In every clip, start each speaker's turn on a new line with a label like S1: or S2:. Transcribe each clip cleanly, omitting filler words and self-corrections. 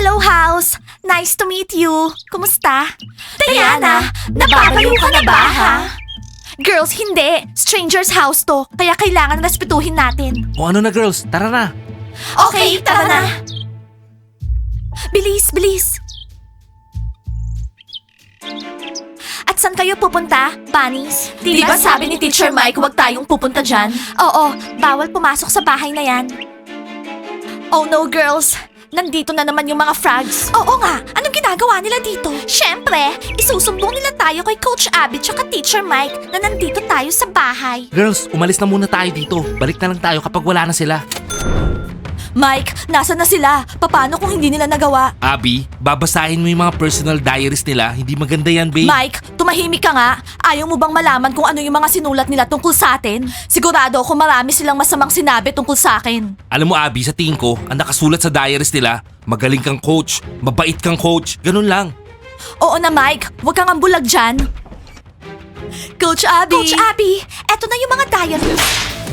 S1: Hello, house! Nice to meet you. Kumusta? Diana, nababaliw ka na ba, ha? Girls, hindi. Stranger's house to, kaya kailangan respetuhin natin.
S2: O ano na girls, tara na.
S1: Okay, tara na. Bilis, bilis. At saan kayo pupunta, bunnies? Di ba sabi ni Teacher Mike huwag tayong pupunta dyan? Oo, bawal pumasok sa bahay na yan. Oh no, girls. Nandito na naman yung mga frogs. Oo nga, anong ginagawa nila dito? Siyempre, isusumbong nila tayo kay Coach Abby tsaka Teacher Mike na nandito tayo sa bahay.
S2: Girls, umalis na muna tayo dito. Balik na lang tayo kapag wala na sila.
S1: Mike, nasa na sila? Paano kung hindi nila nagawa?
S2: Abby, babasahin mo yung mga personal diaries nila. Hindi maganda yan, babe.
S1: Mike, tumahimik ka nga. Ayaw mo bang malaman kung ano yung mga sinulat nila tungkol sa atin? Sigurado ako marami silang masamang sinabi tungkol sa akin.
S2: Alam mo, Abby, sa tingin ko, ang nakasulat sa diaries nila, magaling kang coach, mabait kang coach, ganun lang.
S1: Oo na, Mike. Huwag kang ambulag dyan. Coach Abby! Coach Abby, eto na yung mga diaries.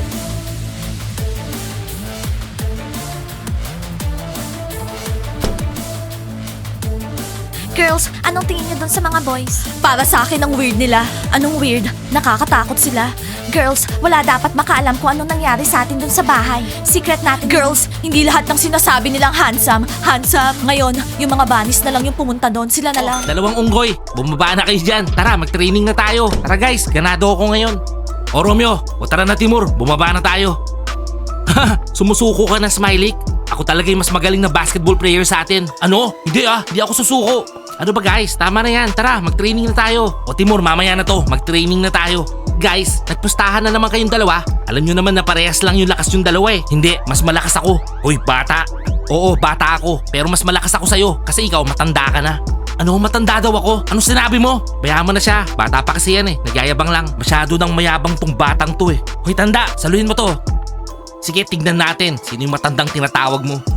S1: Girls, anong tingin niyo dun sa mga boys? Para sa akin ang weird nila. Anong weird? Nakakatakot sila. Girls, wala dapat makaalam kung anong nangyari sa atin dun sa bahay. Secret natin. Girls, hindi lahat ng sinasabi nilang handsome. Handsome. Ngayon, yung mga bunnies na lang yung pumunta doon. Sila na lang.
S2: Dalawang unggoy, bumaba na kayo dyan. Tara, mag-training na tayo. Tara guys, ganado ako ngayon. O Romeo, o tara na Timur, bumaba na tayo. Sumusuko ka na, Smiley? Ako talaga yung mas magaling na basketball player sa atin. Ano? Hindi hindi ako susuko. Ano ba guys? Tama na yan. Tara, mag-training na tayo. O Timur, mamaya na to. Mag-training na tayo. Guys, nagpustahan na naman kayong dalawa. Alam nyo naman na parehas lang yung lakas yung dalawa eh. Hindi, mas malakas ako. Hoy, bata. Oo, bata ako. Pero mas malakas ako sa'yo. Kasi ikaw, matanda ka na. Ano, matanda daw ako? Anong sinabi mo? Bayaan mo na siya. Bata pa kasi yan eh. Nagyayabang lang. Masyado nang mayabang tong batang to eh. Hoy, tanda. Saluhin mo to. Sige, tignan natin. Sino yung matandang tinatawag mo?